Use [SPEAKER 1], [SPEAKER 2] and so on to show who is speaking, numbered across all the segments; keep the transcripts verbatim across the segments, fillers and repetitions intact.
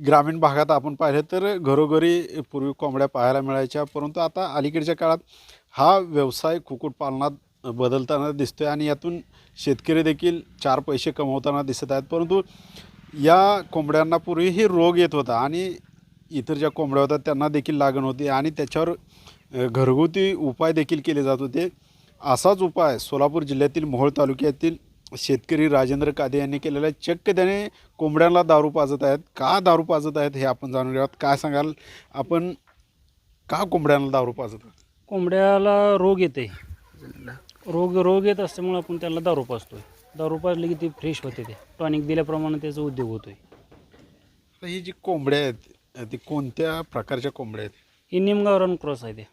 [SPEAKER 1] ग्रामीण भागात आपण पाहिलं तर घरोघरी पूर्वी कोंबड्या पाहायला मिळायच्या, परंतु आता अलीकडच्या काळात हा व्यवसाय कुक्कुटपालनात बदलताना दिसतोय आणि यातून शेतकरी देखील चार पैसे कमवताना दिसत आहेत. परंतु या कोंबड्यांना पूर्वीही रोग येत होता आणि इतर ज्या कोंबड्या होत्या त्यांना देखील लागण होती आणि त्याच्यावर अ, घरगुती उपाय देखील केले जात होते. असाच उपाय सोलापूर जिल्ह्यातील मोहोळ तालुक्यातील शेतकरी राजेंद्र कादे यांनी केलेला आहे. चक्क त्याने कोंबड्यांना दारू पाजत आहेत. का दारू पाजत आहेत हे आपण जाणून घेऊयात. काय सांगाल आपण, का कोंबड्यांना दारू पाजत आहात?
[SPEAKER 2] कोंबड्याला रोग येते. रोग रोग येत असल्यामुळे आपण त्याला दारू पाजतोय. दारू पाजली की ती फ्रेश होते, ते टॉनिक दिल्याप्रमाणे त्याचा उद्योग होतोय.
[SPEAKER 1] आता ही जी कोंबड्या आहेत ती कोणत्या प्रकारच्या कोंबड्या आहेत?
[SPEAKER 2] ही निमगावरान क्रॉस आहे. ते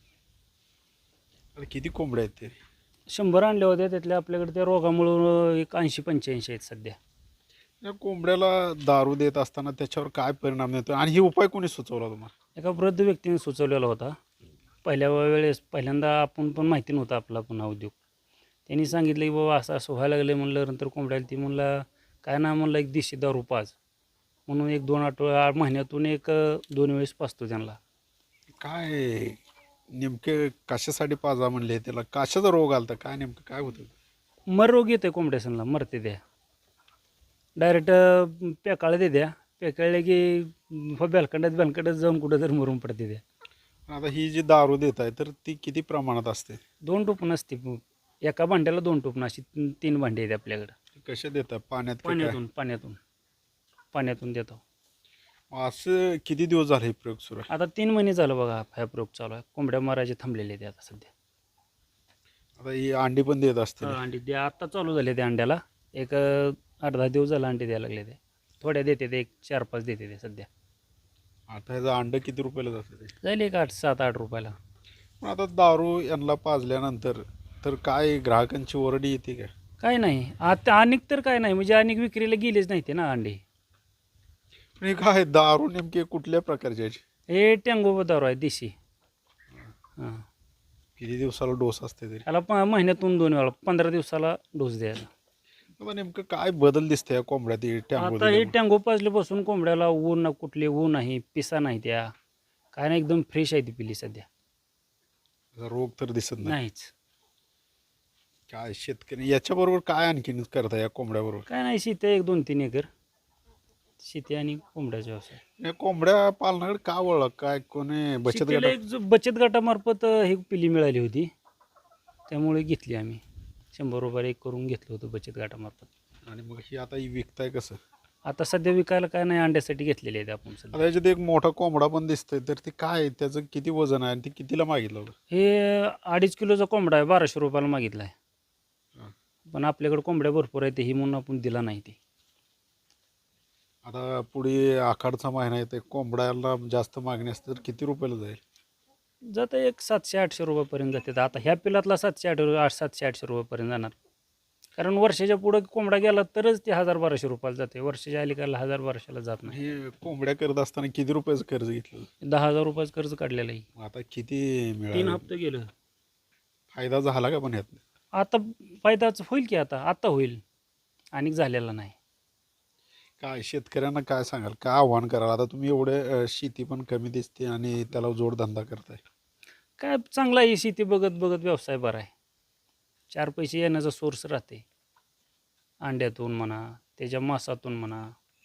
[SPEAKER 1] आता किती कोंबड्या आहेत ते?
[SPEAKER 2] शंभर आणले होते, त्यातल्या आपल्याकडे त्या रोगामुळं एक ऐंशी पंच्याऐंशी आहेत सध्या.
[SPEAKER 1] या कोंबड्याला दारू देत असताना त्याच्यावर काय परिणाम येतो आणि ही उपाय कोणी सुचवला तुम्हाला?
[SPEAKER 2] एका वृद्ध व्यक्तीने सुचवलेला होता. पहिल्या वेळेस पहिल्यांदा आपण पण माहिती नव्हता आपला पुन्हा उद्योग. त्यांनी सांगितलं की बाबा असं असं व्हायला लागलं. म्हणलं नंतर कोंबड्याला ती म्हणला काय ना, म्हणलं एक देशी दारू पाज म्हणून एक दोन आठवड्या महिन्यातून एक दोन वेळेस पाजतो त्यांना.
[SPEAKER 1] काय नेमके कशासाठी पाजा म्हणले त्याला? कशाचा रोग आलता? काय नेमकं काय होतं?
[SPEAKER 2] मर रोग येतोय कोंबड्यासनला, मरते द्या डायरेक्ट पेकाळ दे द्या पेकाळले की बेलकंडात बेलकंडात जाऊन कुठं तर मरून पडते द्या.
[SPEAKER 1] आता ही जी दारू देत आहे तर ती किती प्रमाणात असते?
[SPEAKER 2] दोन टोपण असते. एका भांड्याला दोन टोपण अशी तीन तीन भांडी आहेत आपल्याकडं.
[SPEAKER 1] कशा देतात? पाण्यात की काय?
[SPEAKER 2] पाण्यातून पाण्यातून पाण्यातून देतो.
[SPEAKER 1] असं किती दिवस झाले हे प्रयोग सुरू आहे?
[SPEAKER 2] आता तीन महिने झालं बघा हा प्रयोग चालू आहे. कोंबड्या मारायचे थांबलेले ते आता सध्या.
[SPEAKER 1] आता ही अंडी पण देत असते?
[SPEAKER 2] हा, अंडी द्या आता चालू झाले ते अंड्याला. एक अं, आठ दहा दिवस झाला अंडी द्यायला लागले ते. थोड्या देते ते, एक चार पाच देते ते सध्या.
[SPEAKER 1] आता ह्याचं अंड किती रुपयाला जातं ते?
[SPEAKER 2] जाईल एक आठ सात आठ रुपयाला.
[SPEAKER 1] पण आता दारू यांना पाजल्यानंतर तर काय ग्राहकांची ओरडी येते का?
[SPEAKER 2] काय नाही आता अनेक तर काय नाही, म्हणजे अनेक विक्रीला गेलेच नाही ते ना अंडे.
[SPEAKER 1] पण हे काय दारू नेमके कुठल्या प्रकारची आहे?
[SPEAKER 2] हे टँगो दारू आहे देशी. हां,
[SPEAKER 1] किती दिवसाला डोस असते तरी?
[SPEAKER 2] त्याला प महिन्यातून दोन वेळा पंधरा दिवसाला डोस द्यायचा.
[SPEAKER 1] आता नेमकं काय बदल दिसते या कोंबड्यात हे टँगो
[SPEAKER 2] आता हे
[SPEAKER 1] दिल्यामुळे?
[SPEAKER 2] टँगो पाजल्यापासून कोंबड्याला ऊन ना, कुठले ऊन नाही, पिसा नाही, त्या काय नाही, एकदम फ्रेश आहे ती पिली सध्या.
[SPEAKER 1] त्याचा रोग तर दिसत नाही.
[SPEAKER 2] नाहीच
[SPEAKER 1] काय शेतकरी याच्याबरोबर काय आणखीन करता या कोंबड्याबरोबर?
[SPEAKER 2] काय नाही, शेती आहे एक दोन तीन एकर शेती आणि कोंबड्याचा व्यवसाय.
[SPEAKER 1] या कोंबड्या पालनाकडे का वळला? काय कोणी बचत
[SPEAKER 2] शेतीला
[SPEAKER 1] गट?
[SPEAKER 2] एक जो बचत गटामार्फत अं, ही पिली मिळाली होती, त्यामुळे घेतली आम्ही. शंभर रुपये एक करून घेतलं होतं बचत गटामार्फत.
[SPEAKER 1] आणि मग ही आता ही विकताय कसं?
[SPEAKER 2] आता सध्या विकायला काय नाही, अंड्यासाठी घेतलेले आहेत आपण सध्या.
[SPEAKER 1] आता याच्यात एक मोठा कोंबडा पण दिसतोय, तर ते काय आहे? त्याचं किती वजन आहे आणि ते कितीला मागितलं होतं?
[SPEAKER 2] हे अडीच किलोचा कोंबडा आहे, बाराशे रुपयाला मागितला आहे.
[SPEAKER 1] हा.
[SPEAKER 2] पण आपल्याकडे कोंबड्या भरपूर आहेत, ही म्हणून आपण दिला नाही ते.
[SPEAKER 1] आता पुढे आखाडचा महिना येते, कोंबड्याला जास्त मागणी असते तर किती रुपयाला जाईल?
[SPEAKER 2] जातं एक सातशे आठशे रुपयापर्यंत जाते. आता ह्या पिलातला सातशे आठ आठ सातशे आठशे रुपयापर्यंत जाणार. कारण वर्षाच्या पुढं कोंबडा गेला तरच ते हजार बाराशे रुपयाला जाते. वर्षाच्या अलीकडला हजार बाराशेला जात नाही.
[SPEAKER 1] हे कोंबड्या करत असताना किती रुपयाचं कर्ज घेतलं?
[SPEAKER 2] दहा हजार रुपयाचं कर्ज काढलेलं आहे.
[SPEAKER 1] मग आता किती
[SPEAKER 2] तीन
[SPEAKER 1] मिळालं?
[SPEAKER 2] हप्ते गेलं.
[SPEAKER 1] फायदा झाला का पण यात?
[SPEAKER 2] आता फायदाच होईल की, आता आता होईल, आणि झालेला नाही.
[SPEAKER 1] काय शेतकऱ्यांना काय सांगाल? काय आव्हान कराल? आता तुम्ही एवढे अ, शेती पण कमी दिसते आणि त्याला जोडधंदा करताय.
[SPEAKER 2] काय चांगला आहे, शेती बघत बघत व्यवसाय बरा आहे. चार पैसे येण्याचा सोर्स राहते, अंड्यातून म्हणा, त्याच्या मांसातून म्हणा.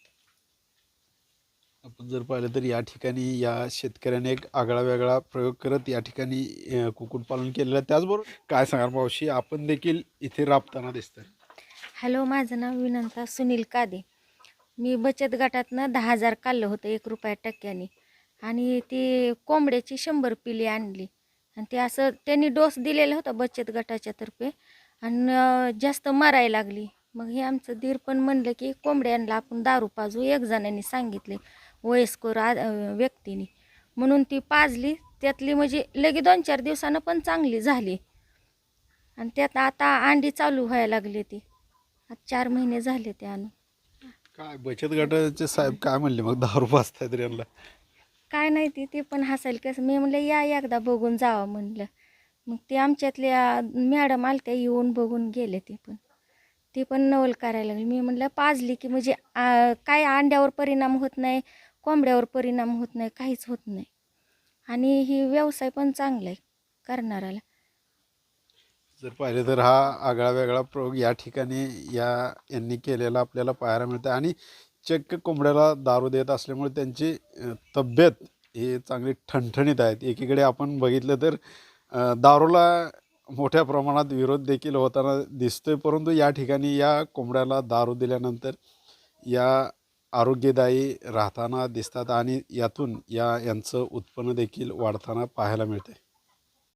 [SPEAKER 1] आपण जर पाहिलं तर या ठिकाणी या शेतकऱ्याने एक आगळा वेगळा प्रयोग करत या ठिकाणी अ, कुक्कुटपालन केलेलं आहे. त्याचबरोबर काय सांगाल मावशी, आपण देखील इथे राबताना दिसतंय?
[SPEAKER 3] हॅलो, माझं नाव विनंता सुनील कादे. मी बचत गटातनं दहा हजार काढलं होतं एक रुपया टक्क्याने, आणि ती कोंबड्याची शंभर पिली आणली, आणि ते असं त्यांनी डोस दिलेला होता बचत गटाच्या तर्फे, आणि अं, जास्त मरायला लागली. मग हे आमचं दीर पण म्हणलं की कोंबड्यांना आपण दारू पाजू, एक जणांनी सांगितले वयस्कर आ अं, व्यक्तीने, म्हणून ती पाजली. त्यातली म्हणजे लगे दोन चार दिवसानं पण चांगली झाली, आणि त्यात आता अंडी चालू व्हायला लागली. ती आता चार महिने झाले ते आणून.
[SPEAKER 1] काय बचत गटाचे साहेब काय म्हणले मग दारू पाजतायत तर यांना?
[SPEAKER 3] काय नाही, ती ते पण हसायला कसं. मी म्हणलं या एकदा बघून जावं म्हणलं. मग ते आमच्यातल्या मॅडम आलत्या, येऊन बघून गेले. ते पण ते पण नवल करायला लागले. मी म्हणलं पाजली की म्हणजे आ, काय अंड्यावर परिणाम होत नाही, कोंबड्यावर परिणाम होत नाही, काहीच होत नाही. आणि ही व्यवसाय पण चांगला आहे करणाऱ्याला.
[SPEAKER 1] जर पाहिलं तर हा आगळा वेगळा प्रयोग या ठिकाणी या यांनी केलेला आपल्याला पाहायला मिळतं आणि चक्क कोंबड्याला दारू देत असल्यामुळे त्यांची अ, तब्येत ही चांगली ठणठणीत आहेत. एकीकडे आपण बघितलं तर अ, दारूला मोठ्या प्रमाणात विरोध देखील होताना दिसतोय, परंतु या ठिकाणी या कोंबड्याला दारू दिल्यानंतर या आरोग्यदायी राहताना दिसतात आणि यातून या यांचं उत्पन्न देखील वाढताना पाहायला मिळते.